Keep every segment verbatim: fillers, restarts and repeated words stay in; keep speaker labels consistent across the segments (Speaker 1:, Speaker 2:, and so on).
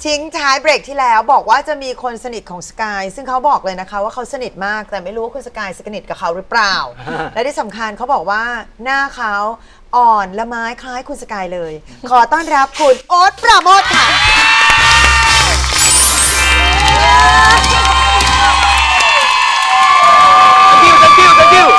Speaker 1: ทิ้งท้ายเบรกที่แล้วบอกว่าจะมีคนสนิทของสกายซึ่งเขาบอกเลยนะคะว่าเขาสนิทมากแต่ไม่รู้ว่าคุณสกายสนิทกับเขาหรือเปล่า และที่สำคัญเขาบอกว่าหน้าเขาอ่อนละไม้คล้ายคุณสกายเลย ขอต้อนรับคุณโอ๊ตปราโมทค่ะ
Speaker 2: thank you thank you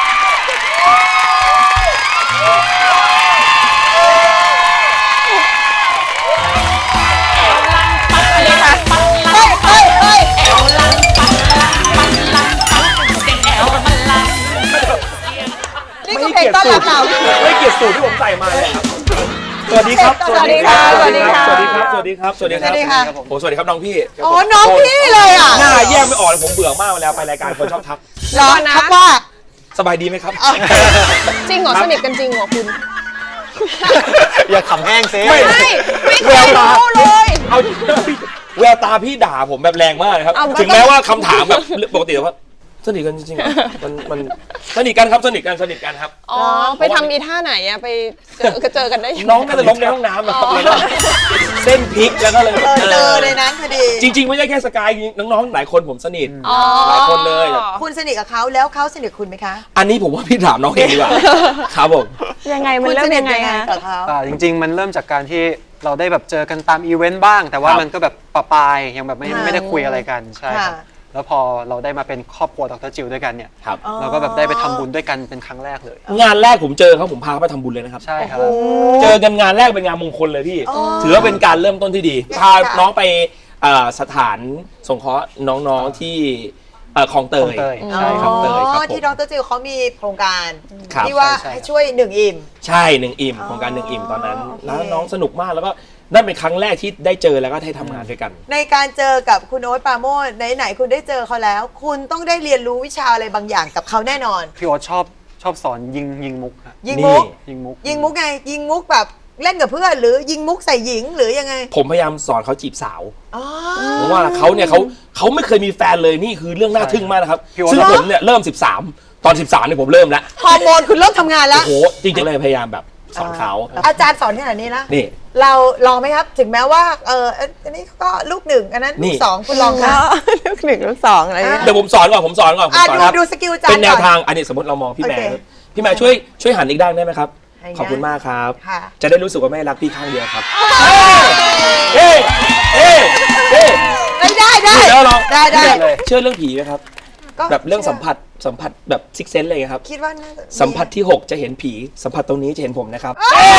Speaker 1: นี่คือเพลงต้อนรับเรา
Speaker 2: ไม่เกียรติสูตรที่ผมใส่มาเลยครับสวัสดีครับสวัสดีครับสวัสดีครับสวัสดีครับสวัสดีครับสวัสดีครับผมสวัสดีครับน้องพี่
Speaker 1: โอ้น้องพี่เลยอ่ะ
Speaker 2: หน้าแยกไม่ออกเลยผมเบื่อมากเวลาไปรายการคนชอบทัก
Speaker 1: รอนะทักว่า
Speaker 2: สบายดีไหมครับ
Speaker 3: จริงเหรอสนิทกันจริงเหรอคุณ
Speaker 2: อย่าขำแห้งเซ่
Speaker 3: ไม่ไม่เคยรู้เลย
Speaker 2: เอาแววตาพี่ด่าผมแบบแรงมากเลยครับถึงแม้ว่าคำถามแบบปกติว่าสนิทกันจริงๆมันมันสนิทกันครับสนิทกันสนิทกันครับ
Speaker 3: อ๋อไปทำอีท่าไหนอะไปเจอเจอกันได้
Speaker 2: น้องน่าจะล้มในห้องน้ำนะครับเส้นพลิกแล้วก็เลย
Speaker 1: เจอในนั้นพอดี
Speaker 2: จริงๆไม่ใช่แค่สกายน้องๆหลายคนผมสนิทหลายคนเลย
Speaker 1: คุณสนิทกับเขาแล้วเขาสนิทคุณไหมคะ
Speaker 2: อันนี้ผมว่าพี่ถามน้องเองดีกว่าครับผม
Speaker 3: ยังไงมันเริ่มยังไง
Speaker 1: กับเขา
Speaker 4: จริงๆมันเริ่มจากการที่เราได้แบบเจอกันตามอีเวนต์บ้างแต่ว่ามันก็แบบปะปายยังแบบไม่ไม่ได้คุยอะไรกันใช่ครับแล้วพอเราได้มาเป็นครอบครัวดร.จิวด้วยกันเนี่ยเราก็แบบได้ไปทำบุญด้วยกันเป็นครั้งแรกเลย
Speaker 2: งานแรกผมเจอเขาผมพาเขาไปทำบุญเลยนะครับ
Speaker 4: ใช่ครับ
Speaker 2: เจอกันงานแรกเป็นงานมงคลเลยพี่ถือว่าเป็นการเริ่มต้นที่ดีพาน้องไปสถานสงเคราะห์น้องๆที่คลองเตย
Speaker 4: ใช่คลองเตย
Speaker 1: ครับที่ดร.จิวเขามีโครงการที่ว่าให้ช่วยหนึ่งอิ่ม
Speaker 2: ใช่หนึ่งอิ่มโครงการหนึ่งอิ่มตอนนั้นแล้วน้องสนุกมากแล้วก็นั่นเป็นครั้งแรกที่ได้เจอแล้วก็ได้ทำงานด้วยกัน
Speaker 1: ในการเจอกับคุณโอ๊ตปราโมทไหนๆคุณได้เจอเขาแล้วคุณต้องได้เรียนรู้วิชาอะไรบางอย่างกับเขาแน่นอน
Speaker 4: พี่โอ๊ตชอบชอบสอนยิงยิงมุก
Speaker 1: ยิงมุก
Speaker 4: ยิงมุก
Speaker 1: ยิงมุกไงยิงมุกแบบเล่นกับเพื่อนหรือยิงมุกใส่หญิงหรือยังไง
Speaker 2: ผมพยายามสอนเขาจีบสาวเพราะว่าเขาเนี่ยเขาเขาไม่เคยมีแฟนเลยนี่คือเรื่องน่าทึ่งมากนะครับซึ่งผมเนี่ยเริ่มสิบสามตอนสิบสามเนี่ยผมเริ่มแล้ว
Speaker 1: ฮอร์โมนคุณเริ่มทำงานแล้ว
Speaker 2: โอ้โหจริงๆเลยพยายามแบบสอนเขา
Speaker 1: อาจารย์สอนขนาดนี้นะ
Speaker 2: นี่
Speaker 1: เราลองไหมครับถึงแม้ว่าเอออันนี้ก็ลูกหนึ่งอันนั้นลูกสองคุณลองค่ะ
Speaker 3: ลูกหนึ่งลูกสองอะไร
Speaker 2: เดี๋ยวผมสอนก่อนผมสอนก่อนผมสอนครับ
Speaker 1: ดูสกิลอาจารย์
Speaker 2: เป็นแนวทางอันนี้สมมติเรามองพี่แม่พี่แม่ช่วยช่วยหันอีกด้านได้ไหมครับขอบคุณมากครับจะได้รู้สึกว่าแม่รักพี่ข้างเดียวครับเฮ้เฮ้เฮ้
Speaker 1: ได้ได้ได้ได้ได้
Speaker 2: เชื่อเรื่องผีไหมครับแบบเรื่องสัมผัสสัมผัสแบบซิกเซนเลยครับ
Speaker 1: คิดว่า
Speaker 2: สัมผัสที่หกจะเห็นผีสัมผัสตรงนี้จะเห็นผมนะครับ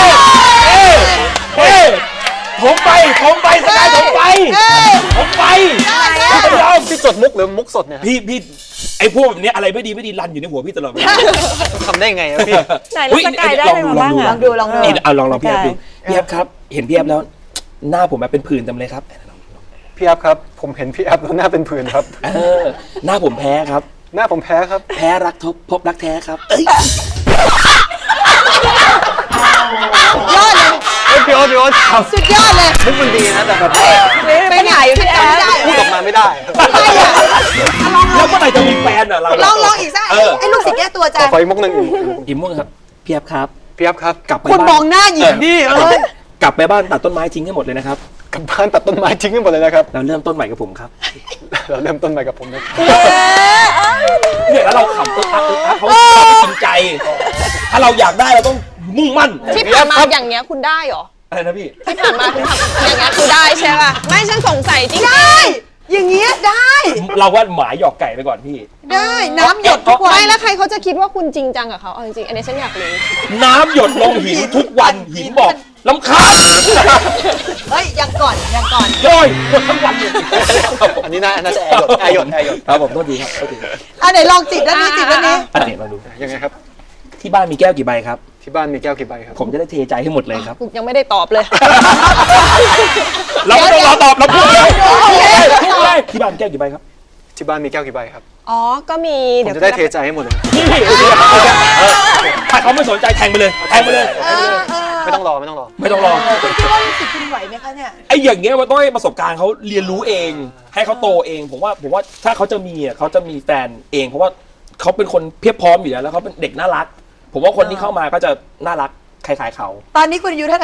Speaker 2: ผมไปผมไปสกายผมไปผมไป
Speaker 4: พี่ยอมพี่จดมุกหรือมุกสดเนี่ย
Speaker 2: พี่พี่ไอ้พวกแบบนี้อะไรไม่ดีไม่ดีรันอยู่ในหัวพี่ตลอด
Speaker 4: ทำได้ไงพี่
Speaker 3: ไหนแล้วสกายได้ไหมบ้าง
Speaker 1: ลองดูลองดู
Speaker 2: เอาลองลองพี่แอบดูพี่แอบครับเห็นพี่แอบแล้วหน้าผมแบบเป็นผื่นเต็มเลยครับ
Speaker 4: พี่แอบครับผมเห็นพี่แอบแล้วหน้าเป็นผื่นครับ
Speaker 2: หน้าผมแพ้ครับ
Speaker 4: หน้าผมแพ้ครับ
Speaker 2: แพ้รักทบพบรักแท้ครับเอ้ย
Speaker 1: ยอดเลย
Speaker 4: พี่โอ๊ตพี่โอ๊ต
Speaker 1: สุดยอดเลย
Speaker 4: มุกมันดีนะแต่แบบ
Speaker 1: ไปไหนพี่แอน
Speaker 4: พูดออกมาไม่ได้
Speaker 2: แล้วเมื่อไหร่จะมีแฟนอ่ะเรา
Speaker 1: ลองลองอีกสักไอ้ลูกศิษย์แก้ตัวจ้ะ
Speaker 4: ขออีกมุกหนึ่ง
Speaker 2: อีกมุกครับพี่แอบครับ
Speaker 4: พี่แอบครับ
Speaker 2: กลับไป
Speaker 1: คุณมองหน้าหญิงดิเอ้ย
Speaker 2: กลับไปบ้านตัดต้นไม้ทิ้งให้หมดเลยนะครับ
Speaker 4: กลับบ้านตัดต้นไม้ทิ้งให้หมดเลยนะครับ
Speaker 2: เราเริ่มต้นใหม่กับผมครับ
Speaker 4: เราเริ่มต้นใหม่กับผมนะ
Speaker 2: เนี่ยแล้วเราขำตัวทักตัวทักเขาเราไม่จริงใจถ้าเราอยากได้เราต้องมุ่งมั่น
Speaker 3: ที่ผ่านมาอย่างเงี้ยคุณได้หรอ
Speaker 2: อะไรนะพี่
Speaker 3: ที่ผ่านมาคุณทำอย่างเงี้ยคุณได้ใช่ป่ะไม่ฉันสงสัยจริง
Speaker 1: ได้อย่างเงี้ยได้
Speaker 2: เราว่าหมาหยอกไก่ไปก่อนพี่
Speaker 1: ได้น้ำหยดทุกวัน
Speaker 3: ไม่แล้วใครเขาจะคิดว่าคุณจริงจังกับเขาเอาจริงๆอันนี้ฉันอยากรู้
Speaker 2: น้ำหยดลงหินทุกวันหินบอกลำคาญ
Speaker 1: เฮ้ยยังก่อนยังก่อน
Speaker 2: ย่อยหมดทั้งวัน
Speaker 4: อันนี้น่าน่าจะแอร์หยดแอร์หยดแอร์หยด
Speaker 2: ครับผมโทษทีครับโทษที
Speaker 1: อันไหนลองจิบแล้วนี้จิบแล้วนี้
Speaker 2: อันไหนลองดู
Speaker 4: ยังไงครับ
Speaker 2: ที่บ้านมีแก้วกี่ใบครับ
Speaker 4: ที่บ้านมีแก้วกี่ใบครับ
Speaker 2: ผมจะได้เทใจให้หมดเลยครับ
Speaker 3: ยังไม่ได้ตอบเลย
Speaker 2: เราไม่ต้องรอตอบเราพูดเลยพูดเลยที่บ้านแก้วกี่ใบครับ
Speaker 4: ที่บ้านมีแก้วกี่ใบครับ
Speaker 3: อ๋อก็มี
Speaker 4: เดี๋ยวจะได้เทใจให้หมดเลย
Speaker 2: ถ้าเขาไม่สนใจแทงไปเลยแทงไปเลย
Speaker 4: ไม่ต้องรอไม่ต้องรอ
Speaker 2: ไม่ต้องรอ
Speaker 1: คิดว่ารู้สึกคุณไหวไหมคะเนี่ย
Speaker 2: ไอ้อย่างเงี้ยมันต้องให้ประสบการณ์เขาเรียนรู้เองให้เขาโตเองผมว่าผมว่าถ้าเขาจะมีอ่ะเขาจะมีแฟนเองเพราะว่าเขาเป็นคนเพียบพร้อมอยู่แล้วแล้วเขาเป็นเด็กน่ารักผมว่าคนที่เข้ามาก็จะน่ารักคล้ายๆเขา
Speaker 1: ตอนนี้คุณอายุเท่าไหร่นะ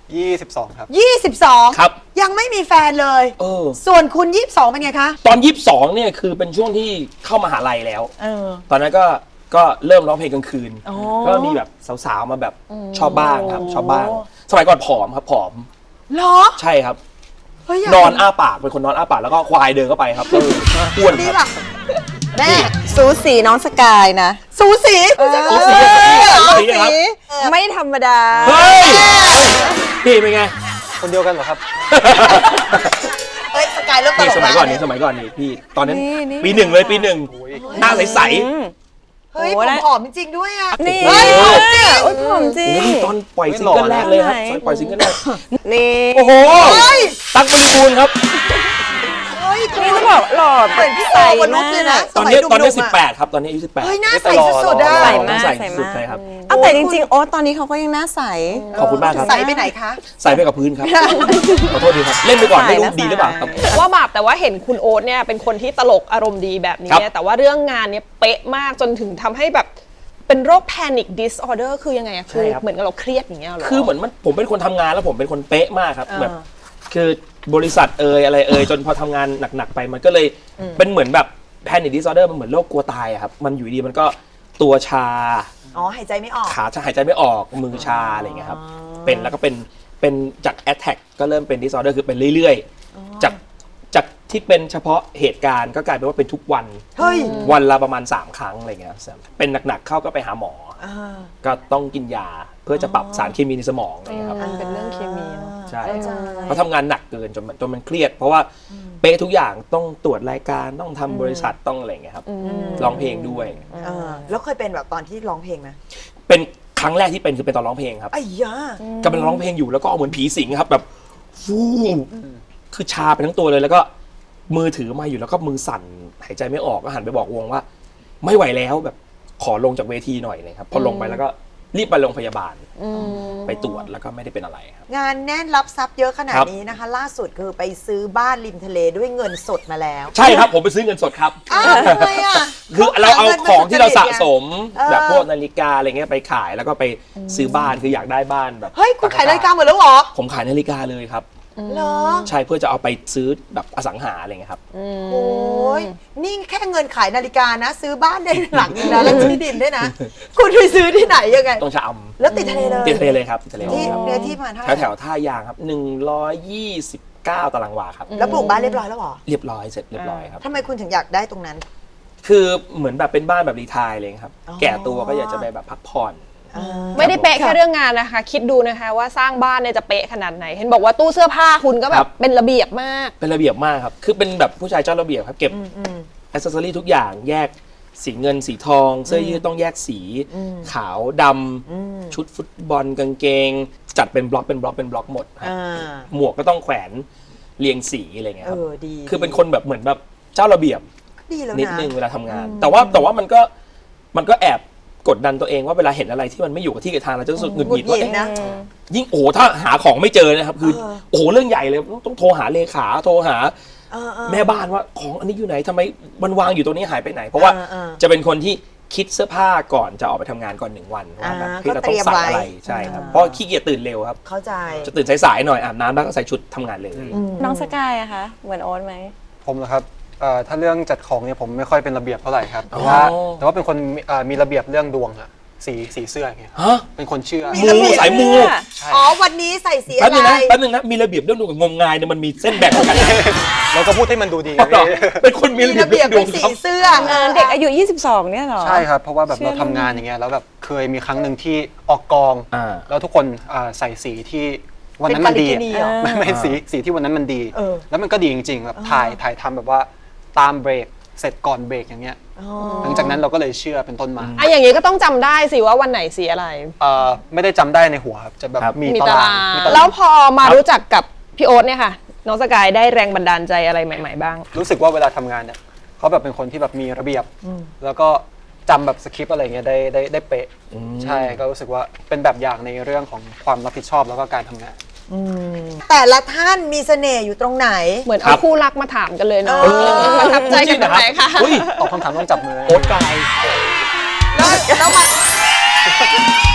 Speaker 4: ยี่สิบสองครับ
Speaker 1: ยี่สิบสอง
Speaker 2: ครับ
Speaker 1: ยังไม่มีแฟนเลย
Speaker 2: เออ
Speaker 1: ส่วนคุณยี่สิบสองเป็นไงคะ
Speaker 2: ตอนยี่สิบสองเนี่ยคือเป็นช่วงที่เข้ามหาลัยแล้ว
Speaker 1: เออ
Speaker 2: ตอนนั้นก็ก็เริ่มร้องเพลงกลางคืน
Speaker 1: อ๋อ
Speaker 2: ก็มีแบบสาวๆมาแบบชอบบ้างครับ ชอบบ้าง สมัยก่อนผอมครับผอม
Speaker 1: เหรอ
Speaker 2: ใช่ครับ
Speaker 1: เฮ้ยยาก
Speaker 2: นอนอ้าปากเป็นคนนอนอ้าปากแล้วก็ควายเดินเข้าไปครับก็อ้วน
Speaker 1: ดี
Speaker 2: ครับ
Speaker 1: ป่ะแม่
Speaker 3: สูสีน้องสกายนะ
Speaker 1: สูสีคุณจะ
Speaker 2: สูสีสูสีครับ
Speaker 3: ไม่ธรรมดา
Speaker 2: เฮ้ยพี่เป็นไง
Speaker 4: คนเดียวกันเหรอครับ
Speaker 1: เฮ้ยสกายเริ่มต
Speaker 2: นี่
Speaker 1: ลก
Speaker 2: สมัยก่อนนี้
Speaker 1: แล้ว
Speaker 2: สมัยก่อนนี่พี่ตอนนั้น
Speaker 3: นี่นี่
Speaker 2: ปีหนึ่งเลยปีหนึ่งหน้าใส
Speaker 1: เฮ้ย
Speaker 3: โอ้
Speaker 1: ผม
Speaker 3: ได้
Speaker 1: ผอมจริงๆด้วยอ่ะ
Speaker 3: นี่
Speaker 1: เฮ้ยผอมจริง
Speaker 3: โอ้ยผอมจ
Speaker 2: ๆ
Speaker 3: ริ
Speaker 2: โอ้
Speaker 3: ง
Speaker 2: โหตอนปล่อยซิงเกิลแรกเลยครับตอนปล่อยซิงเกิลแรก
Speaker 3: นี่
Speaker 2: โอ้โห
Speaker 1: เฮ้ย
Speaker 2: ตั๊กบริบูรณ์ครับ
Speaker 1: เฮ้ย
Speaker 3: นี่ต้องบอกหล่อ
Speaker 1: เหมือนพี่โอวนุชเลยนะ
Speaker 2: ตอนนี้
Speaker 1: สมัย
Speaker 2: ตอนนี้
Speaker 1: ห
Speaker 2: สิ
Speaker 1: ม
Speaker 2: บ
Speaker 1: ๆะ
Speaker 2: แปดครับตอนนี้อายุสิบแปด
Speaker 1: เฮ้ยหน้าใสสุดๆอ่ะ
Speaker 3: ใส่
Speaker 2: ต้
Speaker 3: มา
Speaker 2: อง
Speaker 3: ก
Speaker 2: ใส่
Speaker 3: ใส่
Speaker 2: สุด
Speaker 3: มาก
Speaker 2: ใช่ครับ
Speaker 3: เอาแต่จริงๆโอ๊ตตอนนี้เขาก็ยังหน้าใส
Speaker 2: ขอบคุณมากครับ
Speaker 1: ใสไปไหนคะ
Speaker 2: ใส่ไปกับพื้นครับ ขอโทษดีครับ เล่นไปก่อนไม่รู้
Speaker 3: ใส่แล้ว
Speaker 2: ดีหรือเปล่าครับ
Speaker 5: ว่าบาปแต่ว่าเห็นคุณโอ๊ตเนี่ยเป็นคนที่ตลกอารมณ์ดีแบบนี้
Speaker 2: ครับ
Speaker 5: เนี่ยแต่ว่าเรื่องงานเนี่ยเป๊ะมากจนถึงทำให้แบบเป็นโรค panic disorder คือยังไงอะคือเหมือนกับเราเครียดอย่างเงี้ยเหรอ
Speaker 2: คือเหมือนมันผมเป็นคนทำงานแล้วผมเป็นคนเป๊ะมากครับ
Speaker 1: อ่า
Speaker 2: แบบคือบริษัทเอ่ยอะไรเอ่ยจนพอทำงานหนักๆไปมันก็เลยเป็นเหมือนแบบ panic disorder มันเหมือนโรคกลัวตายอะครับมันอยู่ดีมันก็ตัวชา
Speaker 1: อ๋อหายใจไม่ออก
Speaker 2: ขาจะหายใจไม่ออกมือชาอะไรอย่างเงี้ยครับเป็นแล้วก็เป็นเป็นจาก attack ก็เริ่มเป็น disorder คือเป็นเรื่อยๆจากจากที่เป็นเฉพาะเหตุการณ์ก็กลายเป็นว่าเป็นทุกวัน
Speaker 1: เฮ้ย
Speaker 2: วันละประมาณสามครั้งอะไรเงี้ยครับเป็นหนักๆเข้าก็ไปหาหมอ
Speaker 1: อ่า
Speaker 2: ก็ต้องกินยาเพื่อจะปรับสารเคมีในสมองอะไรเงี้ยครับ
Speaker 5: มันเป็นเรื่องเคมีเนอะ
Speaker 2: ใช่
Speaker 1: เข้าใจ
Speaker 2: เพราะทำงานหนักเกินจนมันจนมันเครียด เพราะว่าเป๊ะทุกอย่างต้องตรวจรายการต้องทำบริษัทต้องอะไรเงี้ยครับร้องเพลงด้วย
Speaker 1: เออแล้วเคยเป็นแบบตอนที่ร้องเพลงไหม
Speaker 2: เป็นครั้งแรกที่เป็นคือเป็นตอนร้องเพลงครับ
Speaker 1: ไอ้ยา
Speaker 2: กำลังร้องเพลงอยู่แล้วก็เอาเหมือนผีสิงครับแบบฟูคือชาไปทั้งตัวเลยแล้วก็มือถือมาอยู่แล้วก็มือสั่นหายใจไม่ออกก็หันไปบอกวงว่า ไม่ไหวแล้วแบบขอลงจากเวทีหน่อยเลยครับพอลงไปแล้วก็รีบไปโรงพยาบาลไปตรวจแล้วก็ไม่ได้เป็นอะไรครับ
Speaker 1: งานแน่นรับทรัพย์เยอะขนาด
Speaker 2: ครับ
Speaker 1: นี้นะคะ ล่าสุดคือไปซื้อบ้านริมทะเลด้วยเงินสดมาแล้ว
Speaker 2: ใช่ครับผมไปซื้อเงินสดครับ
Speaker 1: อ้าวทำไมอ่ะ
Speaker 2: คือเราเอาของที่เราสะสม
Speaker 1: เออ
Speaker 2: แบบพวกนาฬิกาอะไรเงี้ยไปขายแล้วก็ไปซื้อบ้านคืออยากได้บ้านแบบ
Speaker 1: เฮ้ยคุณขายนาฬิกาหมดแล้วเหรอ
Speaker 2: ผมขายนาฬิกาเลยครับ
Speaker 1: เหรอ
Speaker 2: ใช่เพื่อจะเอาไปซื้อแบบอสังหาอะไรเงี้ยครับ
Speaker 1: โอ้ยนี่แค่เงินขายนาฬิกานะ ซื้อบ้านได้หลังนึงนะแล้วที่ดินด้วยนะ คุณไปซื้อที่ไหนยังไง
Speaker 2: ต้องชะอ
Speaker 1: แล้วติดทะเลเลย
Speaker 2: ำติดทะเลเลยครับติดทะเล
Speaker 1: ที่
Speaker 2: ครับ
Speaker 1: เนื้อที่ประมาณเท่าไห
Speaker 2: แถ
Speaker 1: ร่
Speaker 2: วแถวๆท่ายางครับหนึ่งร้อยยี่สิบเก้าตารางวาครับ
Speaker 1: แล้วปลูกบ้านเรียบร้อยแล้วเหรอ
Speaker 2: เรียบร้อยเสร็จเรียบร้อยครับ
Speaker 1: ทำไมคุณถึงอยากได้ตรงนั้น
Speaker 2: คือเหมือนแบบเป็นบ้านแบบรีไทร์เลยครับ
Speaker 1: อ๋อ
Speaker 2: แก่ตัวก็อยากจะไปแบบพักผ่อน
Speaker 5: ไม่ได้เป๊ะแค่เรื่องงานนะคะ คิดดูนะคะว่าสร้างบ้านเนี่ยจะเป๊ะขนาดไหน เห็นบอกว่าตู้เสื้อผ้าคุณก็แบ
Speaker 2: ครับ บ
Speaker 5: เป็นระเบียบมาก
Speaker 2: เป็นระเบียบมากครับ คือเป็นแบบผู้ชายเจ้าระเบียบครับ เก็บอ c เซสซอรี่ทุกอย่างแยกสีเงินสีทอง เสื้อยืดต้องแยกสีขาวดำชุดฟุตบอลกางเกง จัดเป็นบล็อกเป็นบล็อกเป็นบล็อกหมดครับ
Speaker 1: อ่า
Speaker 2: หมวกก็ต้องแขวนเรียงสีอะไรเงี้ย
Speaker 1: เอ
Speaker 2: ครับ
Speaker 1: อดี
Speaker 2: คือเป็นคนแบบเหมือนแบบเจ้าระเบียบ
Speaker 1: ดีแล้ว
Speaker 2: นิด
Speaker 1: นะ
Speaker 2: นึงเวลาทำงาน แต่ว่าแต่ว่ามันก็มันก็แอบกดดันตัวเองว่าเวลาเห็นอะไรที่มันไม่อยู่กับที่กับทางเราจะรู้สึกหงุดหงิด
Speaker 1: หงุดหงิ
Speaker 2: ว่า
Speaker 1: ด
Speaker 2: เอ๊ะ
Speaker 1: นะ
Speaker 2: ยิ่งโอ้โหถ้าหาของไม่เจอนะครับคือ
Speaker 1: เออ
Speaker 2: โอ้โหเรื่องใหญ่เลยต้องต้องโทรหาเลขาโทรหา
Speaker 1: เออเออ
Speaker 2: แม่บ้านว่าของอันนี้อยู่ไหนทำไมมันวางอยู่ตรงนี้หายไปไหน เพราะว่า
Speaker 1: เออเออ
Speaker 2: จะเป็นคนที่คิดเสื้อผ้าก่อนจะออกไปทำงานก่อนหนึ่งวันว่าแบบ
Speaker 1: อ่า
Speaker 2: ที่เรา
Speaker 1: ก็เต
Speaker 2: ต้
Speaker 1: รี
Speaker 2: อง
Speaker 1: ยม
Speaker 2: ใส่
Speaker 1: ไว้
Speaker 2: อะไรใช่ครับ
Speaker 1: อ่า
Speaker 2: เพราะขี้เกียจตื่นเร็วครับ
Speaker 1: เข้าใจ
Speaker 2: จะตื่นสายๆหน่อยอาบน้ำแล้วก็ใส่ชุดทำงานเลย
Speaker 3: น้องสกายอะคะเหมือนโอ๊ตไหม
Speaker 4: ผมเหรอครับเอ่อถ้าเรื่องจัดของเนี่ยผมไม่ค่อยเป็นระเบียบเท่าไหร่ครับแต่ว่า
Speaker 2: อ๋อ
Speaker 4: แต่ว่าเป็นคนมีเอ่อมีระเบียบเรื่องดวงอะสีสีเสื้ออย่างเงี้ย
Speaker 2: ฮะ
Speaker 4: เป็นคนเชื่อ
Speaker 1: มี
Speaker 2: มู
Speaker 1: ระเบียบ
Speaker 2: สายมู
Speaker 4: ใช่
Speaker 1: อ๋อวันนี้ใส่สี
Speaker 2: แป๊
Speaker 1: อะ
Speaker 2: บนึง
Speaker 1: ไร
Speaker 2: นะแป๊บนึงนะมีระเบียบเรื่องดูกับงมงายเนี่ยมันมีเส้นแบ่งกันนะ
Speaker 4: เราก็พูดให้มันดูดี
Speaker 2: อ๋อเหรอ
Speaker 4: พี่
Speaker 2: เป็นคนมี
Speaker 1: มี
Speaker 2: ระเบียบ
Speaker 1: ระเบียบ
Speaker 2: เรื่
Speaker 1: เป็
Speaker 2: อน งดวง
Speaker 1: สี
Speaker 2: ครับ
Speaker 1: เสื้อ
Speaker 3: เด็กอายุยี่สิบสองเนี่ยเหรอ
Speaker 4: ใช่ครับเพราะว่าแบบ
Speaker 3: เชื่อ
Speaker 4: เราทำงานอย่างเงี้ยแล้วแบบเคยมีครั้งหนึ่งที่ออกกอง
Speaker 2: อ่า
Speaker 4: แล้วทุกคนอ่าใส่สีที่วันนั้นมันดี
Speaker 1: เป็นกาลิกินีเหรอ
Speaker 4: ไม่ไม่สีสีที่วันนั้นมันดี
Speaker 1: เออ
Speaker 4: แล้วมันก็ดีจริงๆแบบถ่ายถ่ายทำแบบว่าตามเบรกเสร็จก่อนเบรกอย่างเงี้ย
Speaker 1: อ๋อ
Speaker 4: หลังจากนั้นเราก็เลยเชื่อเป็นต้นมา
Speaker 5: อ่ะอย่างนี้ก็ต้องจำได้สิว่าวันไหนสีอะไร
Speaker 4: เอ่อไม่ได้จำได้ในหัวครับจะแบบ
Speaker 2: ครับ
Speaker 4: มี
Speaker 5: มี
Speaker 4: ตา
Speaker 5: ตาร
Speaker 4: าง
Speaker 5: าง
Speaker 4: มีตาราง
Speaker 5: แล้วพอมารู้จักกับพี่โอ๊ตเนี่ยค่ะ น้องสกายได้แรงบันดาลใจอะไรใหม่ ๆ บ้าง
Speaker 4: รู้สึกว่าเวลาทำงานเนี่ยเขาแบบเป็นคนที่แบบมีระเบียบ แล้วก็จำแบบสคริปต์อะไรเงี้ยได้ได้ได้เป๊ะ
Speaker 2: อืม
Speaker 4: ใช่ก็รู้สึกว่าเป็นแบบอย่างในเรื่องของความรับผิดชอบแล้วก็การทำงาน
Speaker 1: แต่ละท่านมีเสน่ห์อยู่ตรงไหน
Speaker 5: เหมือน
Speaker 2: ครั
Speaker 5: เอา
Speaker 2: บ
Speaker 5: คู่รักมาถามกันเลยเนาะ
Speaker 1: เออ
Speaker 5: ประทับใจกันตรงไหนคะ
Speaker 2: อุ้ย
Speaker 4: ตอบคำถามต้องจับมือ
Speaker 2: โอ๊ตกาย
Speaker 1: แล้วแล้วมา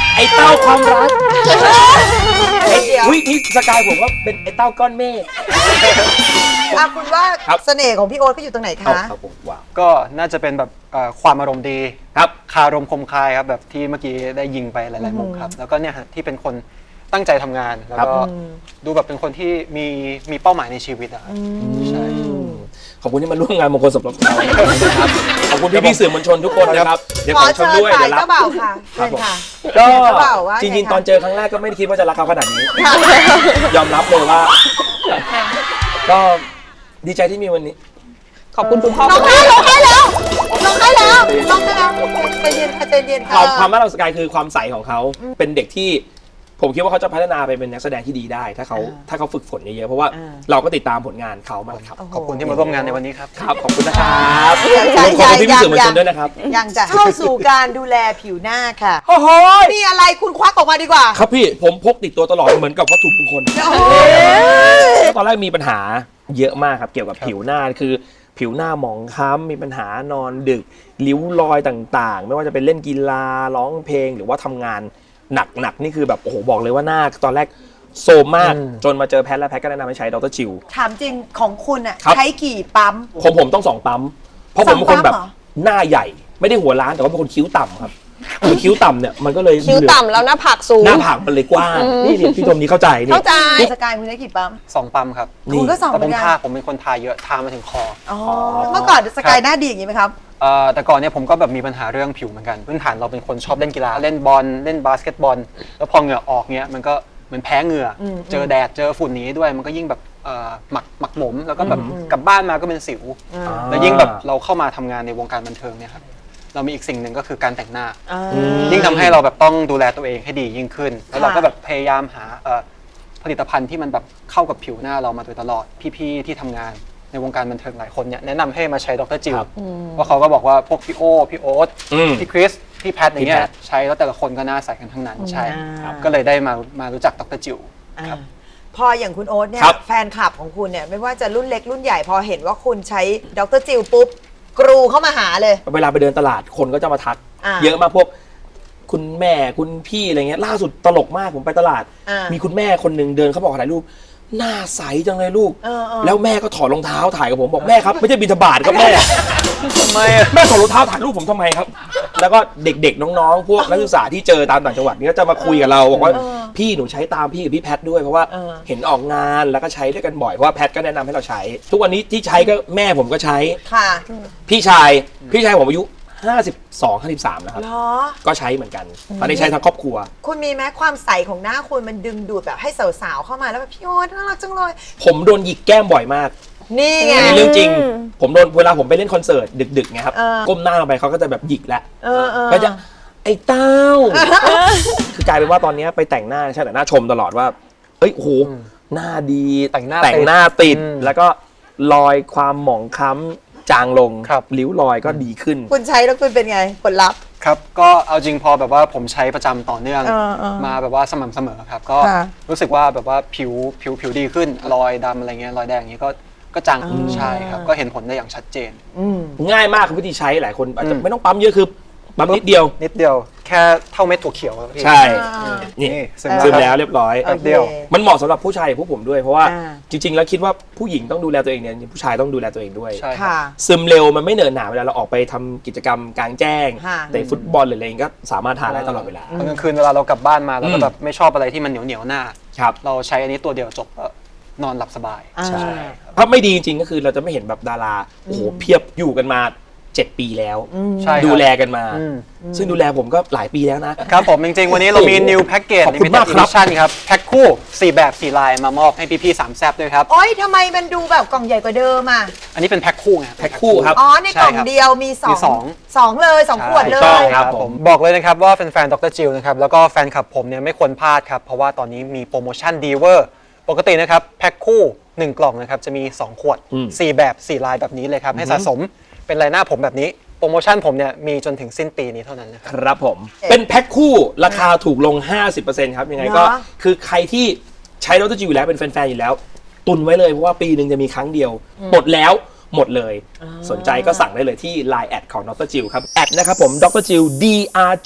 Speaker 2: ไอ้เต้าความรักไอ้
Speaker 1: เดี๋ยว
Speaker 2: อุ้ยนี่สกายผมว่าเป็นไอ้เต้าก้อนเมฆ
Speaker 1: อ่ะคุณว่า
Speaker 2: ครับ
Speaker 1: เสน่ห์ของพี่โอ๊ตก็อยู่ตรงไหน
Speaker 2: เอา
Speaker 1: คะ
Speaker 2: ครับผมว้าว
Speaker 4: ก็น่าจะเป็นแบบเอ่อความอารมณ์ดี
Speaker 2: ครับ
Speaker 4: คารมคมคายครับแบบที่เมื่อกี้ได้ยิงไปหลายๆมุมครับแล้วก็เนี่ยฮะที่เป็นคนตั้งใจทำงานแล้วก็ดูแบบเป็นคนที่มีมีเป้าหมายในชีวิตอะครับใช่
Speaker 2: ขอบคุณที่มาร่วมงานมงคลสมรสของเรานะครับขอบคุณพี่พี่ๆสื่อมวลชนทุกคนนะครับเดี๋ยว
Speaker 1: ข
Speaker 2: ข
Speaker 1: อ
Speaker 2: อช
Speaker 1: เชิ
Speaker 2: ม
Speaker 1: ญ
Speaker 2: ด้วย
Speaker 1: ฝ่าย
Speaker 2: เดี๋ยวรับ
Speaker 1: เจ้าบ่าวค่ะเชิญค่ะ
Speaker 2: ก็
Speaker 1: เจ้าบ่าวว่า
Speaker 2: จริง
Speaker 1: ไง
Speaker 2: ๆ
Speaker 1: คะ
Speaker 2: ตอนเจอครั้งแรกก็ไม่ได้คิดว่าจะรักเขาขนาดนี้ ยอมรับเลยว่า ก็ดีใจที่มีวันนี้
Speaker 5: ขอบคุณคุณพ่อ
Speaker 1: น้องให้ร้องให้แล้วร้องให้แล้วร้องให้แล้วใจเย็นค่ะใจเย็น
Speaker 2: ค
Speaker 1: ค่ะ
Speaker 2: วามความน่ารักสกายคือความใสของเขาเป็นเด็กที่ผมคิดว่าเขาจะพัฒนาไปเป็นนักแสดงที่ดีได้ ถ้าเขาถ้าเขาฝึกฝนเยอะๆเพราะว่าเราก็ติดตามผลงานเขามาครับ
Speaker 4: ขอบคุณที่มาร่วมงานในวันนี้ครับ
Speaker 2: ครับขอบคุณนะครับ
Speaker 1: ใช่
Speaker 2: ขอบ
Speaker 1: ใช่
Speaker 2: คุณพี่
Speaker 1: ยั
Speaker 2: พี่
Speaker 1: ง
Speaker 2: สื่อมวล
Speaker 1: ยั
Speaker 2: ช
Speaker 1: ง
Speaker 2: นด้วยนะครับ
Speaker 1: ยังจะเข้าสู่การดูแลผิวหน้าค่ะ
Speaker 2: โอ้โห
Speaker 1: นี่อะไรคุณควักออกมาดีกว่า
Speaker 2: ครับพี่ผมพกติดตัวตลอดเหมือนกับวัตถุมงคล
Speaker 1: โอ้โห
Speaker 2: ตอนแรกมีปัญหาเยอะมากครับเกี่ยวกับผิวหน้าคือผิวหน้าหมองคล้ำมีปัญหานอนดึกริ้วรอยต่างๆ ไม่ว่าจะเป็นเล่นกีฬาร้องเพลงหรือว่าทำงานหนักๆนี่คือแบบโอ้โหบอกเลยว่าหน้าตอนแรกโซมมากจนมาเจอแพทย์และแพทย์ก็แนะนำให้ใช้ดรจิว
Speaker 1: ถามจริงของคุณอ่ะ
Speaker 2: ครับ
Speaker 1: ใช้กี่ปั๊ม
Speaker 2: ผมผมต้องสองปั๊มเพราะผมเป็นคนแบบ
Speaker 1: สองปั๊มเหรอ
Speaker 2: หน้าใหญ่ไม่ได้หัวล้านแต่ว่าเป็นคนคิ้วต่ำครับคือคิ้วต่ำเนี่ยมันก็เลย
Speaker 5: คิ้วต่ำแล้วหน้าผากสูง
Speaker 2: หน้าผากมันเลยกว้างนี่นี่พี่ชมนี้เข้าใจนี่
Speaker 5: เข้าใจ
Speaker 1: สกายคุณใช้กี่ปั๊ม
Speaker 4: สองปั๊มครับ
Speaker 1: คุณก็สอง
Speaker 4: แต่
Speaker 1: เห
Speaker 4: ผ
Speaker 1: มือ
Speaker 4: ม
Speaker 1: นกัน
Speaker 4: ทาผมเป็นคนทาเยอะทามาถึงคอ
Speaker 1: อ๋อเมื่อก่อนสกายหน้าดีอย่างนี้ไหมครับ
Speaker 4: เอ่อแต่ก่อนเนี่ยผมก็แบบมีปัญหาเรื่องผิวเหมือนกันพื้นฐานเราเป็นคนชอบเล่นกีฬาเล่นบอลเล่นบาสเกตบอลแล้วพอเหงื่อออกเนี้ยมันก็เหมือนแพ้เหงื่ออเจอแดดเจอฝุ่นนี้ด้วยมันก็ยิ่งแบบเอ่อหมักหมักหมมแล้วก็แบบกลับบ้านมาก็เป็นสิวแล้วยิ่งแบบเราเข้ามาทำงานในวงการบันเทิงเนี่ยครับเรามีอีกสิ่งหนึ่งก็คือการแต่งหน้า ยิ่งทำให้เราแบบต้องดูแลตัวเองให้ดียิ่งขึ้น แล้วเราก็แบบพยายามหาเอ่อผลิตภัณฑ์ที่มันแบบเข้ากับผิวหน้าเรามาโดยตลอดพี่ๆที่ทำงานในวงการบันเทิงหลายคนเนี่ยแนะนำให้มาใช้ดรจิวเพราะเขาก็บอกว่าพวกพี่โอพี่โอ๊ต
Speaker 2: อืม
Speaker 4: พี่คริสพี่แพทอย่างเงี้
Speaker 2: พี่
Speaker 4: ย
Speaker 2: แพท
Speaker 4: ใช้แล้วแต่ละคนก็หน่าใสกันทั้งนั้นใช่
Speaker 1: ครับ
Speaker 4: ก็เลยได้มามารู้จักดรจิว
Speaker 1: อ่า
Speaker 4: ครับ
Speaker 1: พออย่างคุณโอ๊ตเนี่ย
Speaker 2: ครับ
Speaker 1: แฟนคลับของคุณเนี่ยไม่ว่าจะรุ่นเล็กรุ่นใหญ่พอเห็นว่าคุณใช้ดรจิลปุ๊บกรูเข้ามาหาเลย
Speaker 2: เวลาไปเดินตลาดคนก็จะมาทัก
Speaker 1: อ่า
Speaker 2: เยอะมากพวกคุณแม่คุณพี่อะไรเงี้ยล่าสุดตลกมากผมไปตลาด
Speaker 1: อ่ามี
Speaker 2: มีคุณแม่คนหนึ่งเดินเขาบอกถ่ายรูปหน้าใสจังเลยลูก
Speaker 1: เออเออ
Speaker 2: แล้วแม่ก็ถอดรองเท้าถ่ายกับผมบอกแม่ครับไม่ใช่บิณฑบาตครับแม่
Speaker 4: ทำไมอะ
Speaker 2: แม่ถอดรองเท้าถ่ายรูปผมทำไมครับ แล้วก็เด็กๆน้องๆ พวกนักศึกษาที่เจอตามต่างจังหวัดนี่ก็จะมาคุยกับเราบอกว่าพี่หนูใช้ตามพี่กับพี่แพทด้วยเพราะว่าเห็นออกงานแล้วก็ใช้ด้วยกันบ่อยเพราะว่าแพทก็แนะนำให้เราใช้ ทุกวันนี้ที่ใช้ก็แม่ผมก็ใช้
Speaker 1: ค่ะ
Speaker 2: พี่ชายพี่ชายผมอายุห้าสิบสอง ห้าสิบสามแล้วครับ
Speaker 1: เหรอ
Speaker 2: ก็ใช้เหมือนกัน ตอนนี้ใช้ทั้งครอบครัว
Speaker 1: คุณมีไหมความใสของหน้าคุณมันดึงดูดแบบให้สาวๆเข้ามาแล้วแบบพี่โอ๊ตน่ารักจังเลย
Speaker 2: ผมโดนหยิกแก้มบ่อยมาก
Speaker 1: นี่ไง
Speaker 2: อันนี้เรื่องจริง ผมโดนเวลาผมไปเล่นคอนเสิร์ตดึกๆไงครับ
Speaker 1: เออ
Speaker 2: ก้มหน้าลงไปเขาก็จะแบบหยิกแล้ว
Speaker 1: เออเออ
Speaker 2: ก็จะไอ้เต้า คือกลายเป็นว่าตอนนี้ไปแต่งหน้าใช่แต่หน้าชมตลอดว่าเฮ้ยโอ้โหหน้าดี
Speaker 4: แต่งหน้า
Speaker 2: แต่งหน้าติด
Speaker 4: อืม
Speaker 2: แล้วก็รอยความหมองคล้ำจางลง
Speaker 4: ครับ
Speaker 2: ริ้วรอยก็ดีขึ้น
Speaker 1: คุณใช้แล้วคุณเป็นไงผลลัพธ์
Speaker 4: ครับก็เอาจริงพอแบบว่าผมใช้ประจำต่อเนื่อง
Speaker 1: เออเออ
Speaker 4: มาแบบว่าสม่ำเสมอครับก็
Speaker 1: ค่ะ
Speaker 4: รู้สึกว่าแบบว่าผิวผิวผิวดีขึ้นรอยดำอะไรเงี้ยรอยแดงอย่างงี้ก็ก็จางขึ้นใช่ครับก็เห็นผลได้อย่างชัดเจน
Speaker 1: อืม
Speaker 2: ง่ายมากวิธีใช้หลายคนอาจจะ
Speaker 4: อืม
Speaker 2: ไม่ต้องปั๊มเยอะคือปั๊มนิดเดียว
Speaker 4: นิดเดียวแค่เท่าเม็ดถั่วเขียวครับพี่
Speaker 2: ใช่
Speaker 1: อ่า
Speaker 2: นี่
Speaker 4: นี่ซึ
Speaker 2: ซึ
Speaker 4: ม
Speaker 2: ม
Speaker 4: แล้
Speaker 2: แล้ว วเรียบร้อย
Speaker 1: โอค
Speaker 4: เดียว
Speaker 2: มันเหมาะสำหรับผู้ชายอย่างพวกผมด้วยเพราะว่า
Speaker 1: อ่า
Speaker 2: จริง ๆ แล้วคิดว่าผู้หญิงต้องดูแลตัวเองเนี่ยผู้ชายต้องดูแลตัวเองด้วย
Speaker 4: ใช่ครับ
Speaker 1: ค่ะ
Speaker 2: ซึมเร็วมันไม่เหนอะหนาเวลาเราออกไปทำกิจกรรมกลางแจ้ง
Speaker 1: ค่ะ
Speaker 2: แต่ฟุตบอลหรืออะไรก็สามารถทานได้ตลอดเวลา
Speaker 4: ตอนกลางคืนเวลาเรากลับบ้านมาเรา
Speaker 2: อื
Speaker 4: ก็
Speaker 2: ม
Speaker 4: แบบไม่ชอบอะไรที่มันเหนียวเหนียวๆหน้า
Speaker 2: ครับ
Speaker 4: เราใช้อันนี้ตัวเดียวจบก็นอนหลับสบาย
Speaker 1: อ่า
Speaker 2: ใช่ถ้าไม่ดีจริงๆก็คือเราจะไม่เห็นแบบดาราโอ้โหเพียบอยู่กันมาเจ็ดปีแล้ว
Speaker 4: ใช่ครับ
Speaker 2: ดูแลกันมา
Speaker 4: อืม
Speaker 2: ซึ่งดูแลผมก็หลายปีแล้วนะ
Speaker 4: ครับผมจริงๆ วันนี้เรามี new package
Speaker 2: ขอบคุณมากครับ
Speaker 4: limited edition ครับแพ็คคู่สี่แบบสี่ลายมามอบให้พี่ๆสามแซบด้วยครับ
Speaker 1: โอ๊ยทำไมมันดูแบบกล่องใหญ่กว่าเดิมอ่ะ
Speaker 4: อันนี้เป็นแพ็คคู่ไง
Speaker 2: แพ็คคู่ครับ
Speaker 1: อ๋อ ในกล่อง
Speaker 4: ใช่ครับ
Speaker 1: เดียวมีสอง
Speaker 4: มีสอง
Speaker 1: สองเลยสองขวดเล
Speaker 2: ถูกต้อง
Speaker 1: ย
Speaker 2: ครับผม
Speaker 4: บอกเลยนะครับว่าแฟนๆดรจิลนะครับแล้วก็แฟนคลับผมเนี่ยไม่ควรพลาดครับ เพราะว่าตอนนี้มีโปรโมชั่นดีเวอร์ปกตินะครับแพ็คคู่หนึ่งกล่องนะครับจะมีสองขวด
Speaker 2: อืม
Speaker 4: สี่แบบสี่ลายแบบนี้เลยครับให้สะสมเป็นลายหน้าผมแบบนี้โปรโมชั่นผมเนี่ยมีจนถึงสิ้นปีนี้เท่านั้นนะครับ
Speaker 2: ครับผม เป็นแพ็คคู่ราคาถูกลง ห้าสิบเปอร์เซ็นต์ ครับ ยังไงก็
Speaker 1: เหรอ
Speaker 2: คือใครที่ใช้ดรจิวอยู่แล้วเป็นแฟนๆอยู่แล้ว ตุนไว้เลยเพราะว่าปีหนึ่งจะมีครั้งเดียว หมดแล้วหมดเลย สนใจก็สั่งได้เลยที่ ไลน์ แอดของดรจิวครับ แอดนะครับผมดรจิว ดร จุด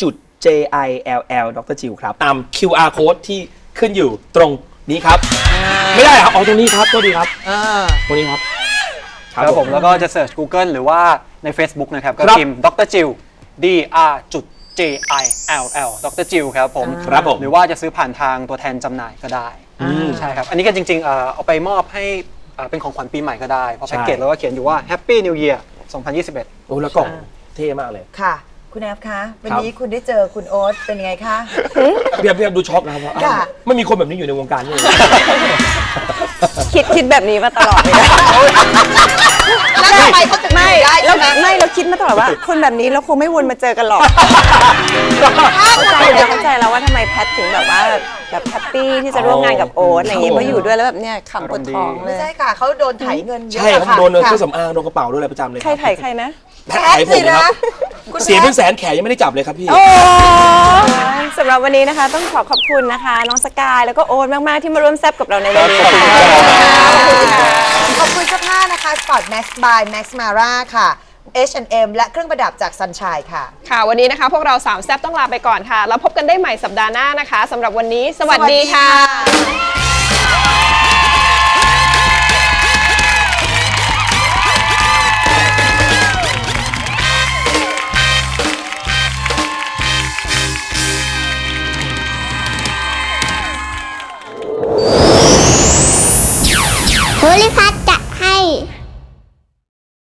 Speaker 2: J I L L ดรจิวครับ ตาม คิว อาร์ code ที่ขึ้นอยู่ตรงนี้ครับ ไม่ได้ครับเอาตรงนี้ครับตัวดีครับ
Speaker 1: อ่า
Speaker 2: ตรงนี้ครับ
Speaker 4: ครับผมแล้วก็จะเสิร์ช Google หรือว่าใน Facebook นะครับ ก็
Speaker 2: ครับ
Speaker 4: พิมพ์ดรจิว D R J I L L ดรจิวครับผม
Speaker 2: ครับผม
Speaker 4: หรือว่าจะซื้อผ่านทางตัวแทนจำหน่ายก็ได้ใช่ครับอันนี้ก็จริงๆเอ่อเอาไปมอบให้เอ่อเป็นของขวัญปีใหม่ก็ได้เพราะ
Speaker 2: ใช่
Speaker 4: แพ็กเกจเราก็เขียนอยู่ว่า Happy New Year สองพันยี่สิบเอ็ด
Speaker 2: โอ้แล้วกล่องเท่มากเลย
Speaker 1: ค่ะ คุณแอฟคะ วัน
Speaker 2: ครับ
Speaker 1: นี้คุณได้เจอคุณโอ๊ตเป็นยังไงคะ
Speaker 2: พี่แอฟพี่แอฟดูช็อกนะครับว่าอ้าว
Speaker 1: ค่ะ
Speaker 2: ไม่มีคนแบบนี้อยู่ในวงการนี่เลย
Speaker 3: คิดคิดแบบนี้มาตลอดเลยนะ
Speaker 1: แล้วทำไมเขาถึง
Speaker 3: ไม่
Speaker 1: ได้
Speaker 3: แล้
Speaker 1: ใช่
Speaker 3: ว
Speaker 1: ไหม
Speaker 3: ไม่เราคิดมาตลอดว่า คนแบบนี้เราคงไม่วนมาเจอกันหรอกเข้าใจแล้วเข้าใจแล้วว่าทำไมแพทถึงแบบว่าแบบแฮปปี้ที่จะร่วมงานกับโอ๊ตอะไรอย่างเงี้ยเพราะอยู่ด้วยแล้วแบบเนี้ยขำปวดท้องเล
Speaker 1: ไม่
Speaker 3: ย
Speaker 1: ใช่ค่ะ เขาโดนไถเงินเยอะ
Speaker 2: ใช่ครับ
Speaker 1: ค่ะ
Speaker 2: โดนเครื่อง
Speaker 1: ค่ะ
Speaker 2: สำอางโดนกระเป๋าโดนอะไรประจำเลย
Speaker 3: ใครถ่ายใครนะ
Speaker 2: แพ้ไถผมนะครับ
Speaker 1: คุณ
Speaker 2: เสียเป็น
Speaker 1: แพท
Speaker 2: แสนแขนยังไม่ได้จับเลยครับพี่
Speaker 3: โอ้สำหรับวันนี้นะคะ ต้องขอขอบคุณนะคะ น้องสกายแล้วก็โอ๊ตมาก ๆ ที่มาร่วมแซบกับเราในวันนี้
Speaker 2: ขอบคุณ
Speaker 3: ค่ะ
Speaker 2: ครับ
Speaker 1: ขอบคุณเสื้อผ้านะคะ Sport Max by Max Mara ค่ะ เอช แอนด์ เอ็ม และเครื่องประดับจาก Sunshine ค่ะ
Speaker 5: ค่ะ วันนี้นะคะพวกเราสามแซบต้องลาไปก่อนค่ะ แล้วพบกันได้ใหม่สัปดาห์หน้านะคะสำหรับวันนี้ สวัสดีค่ะ
Speaker 1: สวัสดีค่ะ